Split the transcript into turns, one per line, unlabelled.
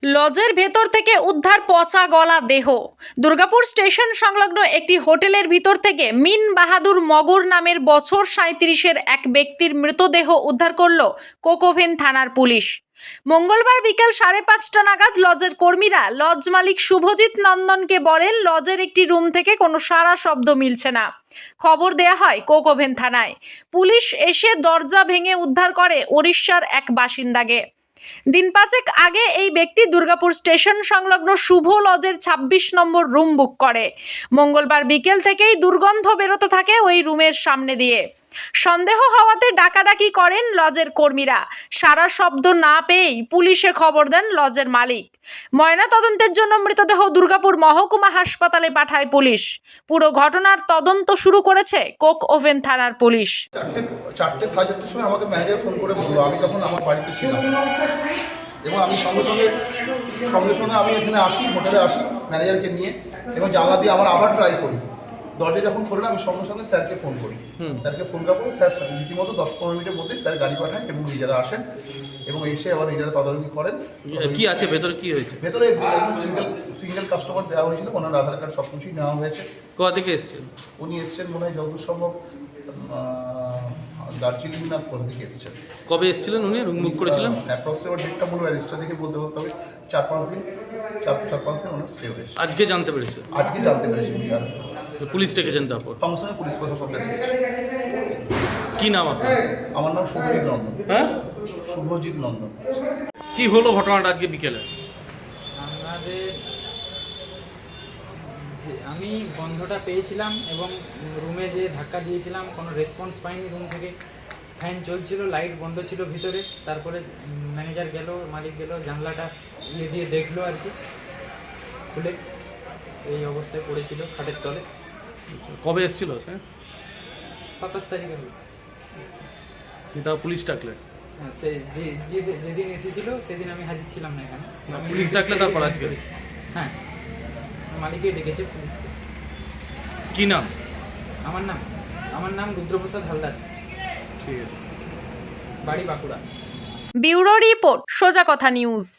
লজের ভেতর থেকে উদ্ধার পচা গলা দেহ। দুর্গাপুর স্টেশন সংলগ্ন একটি হোটেলের ভিতর থেকে মিন বাহাদুর মগর নামের বছর 37-এর এক ব্যক্তির মৃতদেহ উদ্ধার করল কোকোভেন থানার পুলিশ। মঙ্গলবার বিকেল 5:30 নাগাদ লজের কর্মীরা লজ মালিক শুভজিৎ নন্দনকে বলেন, লজের একটি রুম থেকে কোনো সারা শব্দ মিলছে না। খবর দেয়া হয় কোকোভেন থানায়। পুলিশ এসে দরজা ভেঙে উদ্ধার করে ওড়িশার এক বাসিন্দাকে। দিন পাঁচেক আগে এই ব্যক্তি দুর্গাপুর স্টেশন সংলগ্ন শুভ লজের 26 নম্বর রুম বুক করে। মঙ্গলবার বিকেল থেকেই দুর্গন্ধ বেরোতে থাকে ওই রুমের সামনে দিয়ে। সন্দেহ হওয়াতে ডাকাডাকি করেন লজের কর্মীরা। সারা শব্দ না পেয়েই পুলিশে খবর দেন লজের মালিক। ময়না তদন্তের জন্য মৃতদেহ দুর্গাপুর মহকুমা হাসপাতালে পাঠায় পুলিশ। পুরো ঘটনার তদন্ত শুরু করেছে কোকওভেন থানার পুলিশ।
4:30 সময় আমাকে ম্যানেজার ফোন করে বললো, আমি তখন আমার বাড়িতে ছিলাম এবং আমি সঙ্গে সঙ্গে আমি এখানে আসি, হোটেলে আসি ম্যানেজারকে নিয়ে এবং জানলা দিয়ে আবার ট্রাই করি। দরজা যখন খোলে আমি সঙ্গে সঙ্গে স্যারকে ফোন করি। স্যারকে ফোন করার পরে স্যার রীতিমতো 10-15 মিনিটের মধ্যেই স্যার গাড়ি পাঠায় এবং নিজেরা আসেন এবং এসে আবার নিজেরা তদারকি করেন।
কি আছে ভেতরে, কি হয়েছে?
ভেতরে সিঙ্গেল কাস্টমার দেওয়া হয়েছিল, ওনার আধার কার্ড সব কিছুই নেওয়া হয়েছে।
কোথা থেকে এসেছেন?
উনি এসছেন মনে হয় যতদূর সম্ভব দার্জিলিং না কোন দিকে এসছেন।
কবে এসেছিলেন উনি? রুম বুক করেছিলেন?
অ্যাপ্রক্সিমেট ডেটটা মনে হয় রেজিস্টার দেখে বলতে হতে হবে। 4-5 দিন ওনার স্টে হয়েছে।
আজকে জানতে পেরেছে?
আজকে জানতে পেরেছি উনি আর
পুলিশ ডেকেছেন তারপর?
সঙ্গে সঙ্গে পুলিশ প্রশাসনকে ডেকেছে।
কি নাম আপনার?
আমার নাম শুভজিৎ নন্দন।
হ্যাঁ,
শুভজিৎ নন্দন।
কি হলো ঘটনাটা আজকে বিকেলে?
আমি গন্ধটা পেয়েছিলাম এবং রুমে যে ধাক্কা দিয়েছিলাম কোনো রেসপন্স পাইনি। রুম থেকে ফ্যান চলছিল, লাইট বন্ধ ছিল ভিতরে। তারপরে ম্যানেজার গেল, মালিক গেল, জানলাটা দিয়ে দেখলো আর কি, খুলে এই অবস্থায় পড়েছিল খাটের তলে।
কবে এসেছিল স্যার?
27 তারিখে হলো।
তার পুলিশ ডাকলে?
হ্যাঁ, সে যেদিন এসেছিল সেদিন আমি হাজির ছিলাম না এখানে।
পুলিশ ডাকলে তারপর আজকে?
হ্যাঁ, মালিককে ডেকেছে পুলিশকে।
কি নাম?
আমার নাম রুদ্রপ্রসাদ হালদার।
ঠিক আছে।
বাড়ি বাঁকুড়া।
ব্যুরো রিপোর্ট, সোজা কথা নিউজ।